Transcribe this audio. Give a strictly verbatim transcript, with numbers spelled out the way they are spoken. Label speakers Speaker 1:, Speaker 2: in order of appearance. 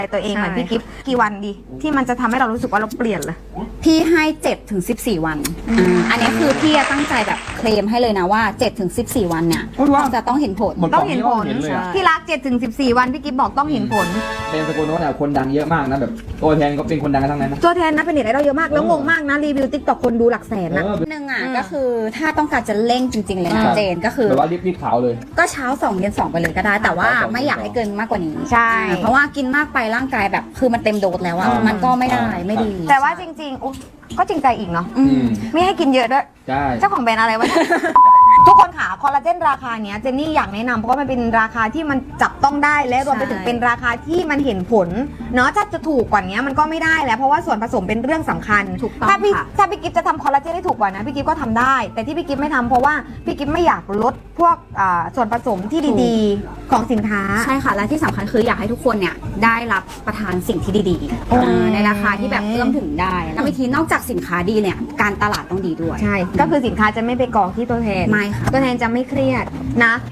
Speaker 1: ตัวเองเหมือนพี่กิฟต์กี่วันดีที่มันจะทำให้เรารู้สึกว่าเราเปลี่ยนเลย
Speaker 2: พี่ให้เจ็ดถึงสิบสี่วันอ่าอันนี้คือพี่ตั้งใจแบบเคลมให้เลยนะว่าเจ็ดถึงสิบสี่วันเนี่ย
Speaker 3: พูดว่า
Speaker 2: จะต้องเห็นผล
Speaker 3: หมด
Speaker 1: ต้องเห็นผล
Speaker 3: เห็นเลยอะ
Speaker 1: ที่รักเจ็ดถึงสิบสี่วันพี่กิฟต์บอกต้องเห็นผล
Speaker 3: เป็นสกุลโน้ตเนี่ยคนดังเยอะมากนะแบบตัวแทนก็เป็นคนดังกันทั้งนั้นนะ
Speaker 1: ตัวแทนนะเป็นเน็ตไอดอลเยอะมากแล้วงงมากนะรีวิวติ๊กต็อกคนดูหลักแสนนะ
Speaker 3: เออ
Speaker 2: หนึ่งอ่ะ
Speaker 1: อืม
Speaker 2: ก็คือถ้าต้องการจะเร่งจริง ๆ เลยนะ
Speaker 3: อ่า
Speaker 2: เจนก็คือ
Speaker 3: แบบว่ารีบรีบขาวเลย
Speaker 2: ก็เช้าสองเย็นสองไปเลยก็ได้ แต่ว่า
Speaker 3: เช้าสอง
Speaker 2: ไม่อยากให้เกินมากกว่านี้
Speaker 1: ใช่
Speaker 2: เพราะว่ากินมากไปร่างกายแบบคือมันเต็มโดสแล้วอะ
Speaker 3: อ่ามั
Speaker 2: มันก็ไม่ได้
Speaker 3: อ่า
Speaker 2: ไม่ดี
Speaker 1: แต่ว่าจริงๆอุ๊ยก็จริงใจอีกเนาะ
Speaker 2: อื
Speaker 3: อื
Speaker 2: ม
Speaker 3: ม
Speaker 1: ไม่ให้กินเยอะด้วย
Speaker 3: ใช่
Speaker 1: เจ้าของแบรนด์อะไรวะ ทุกคนค่ะคอลลาเจนราคาเนี้ยเจนนี่อยากแนะนำเพราะว่ามันเป็นราคาที่มันจับต้องได้และรวมไปถึงเป็นราคาที่มันเห็นผลเนาะถ้าจะถูกกว่านี้มันก็ไม่ได้แล้วเพราะว่าส่วนผสมเป็นเรื่องสำคัญ
Speaker 2: ถูกต้อง
Speaker 1: ถ้าพี่
Speaker 2: ค่ะ
Speaker 1: ถ้าพี่กิฟจะทำคอลลาเจนให้ถูกกว่านะพี่กิฟก็ทำได้ แต่ที่พี่กิฟไม่ทำเพราะว่าพี่กิฟไม่อยากลดพวกอ่าส่วนผสมที่ดีๆ ของสินค้า
Speaker 2: ใช่ค่ะ และที่สำคัญคืออยากให้ทุกคนเนี่ยได้รับประทานสิ่งที่ดี
Speaker 1: โอ้ย
Speaker 2: ๆอ่าในราคาที่แบบเอื้อมถึงได้แล้ววิธีนอกจากสินค้าดีเนี่ยการตลาดต้องดีด้วย
Speaker 1: ใช่ก็คือสินค้าจะไม่ไปกองที่ตัวแทน
Speaker 2: ไม่ค่ะ
Speaker 1: ตัวแทนจะไม่เครียดนะ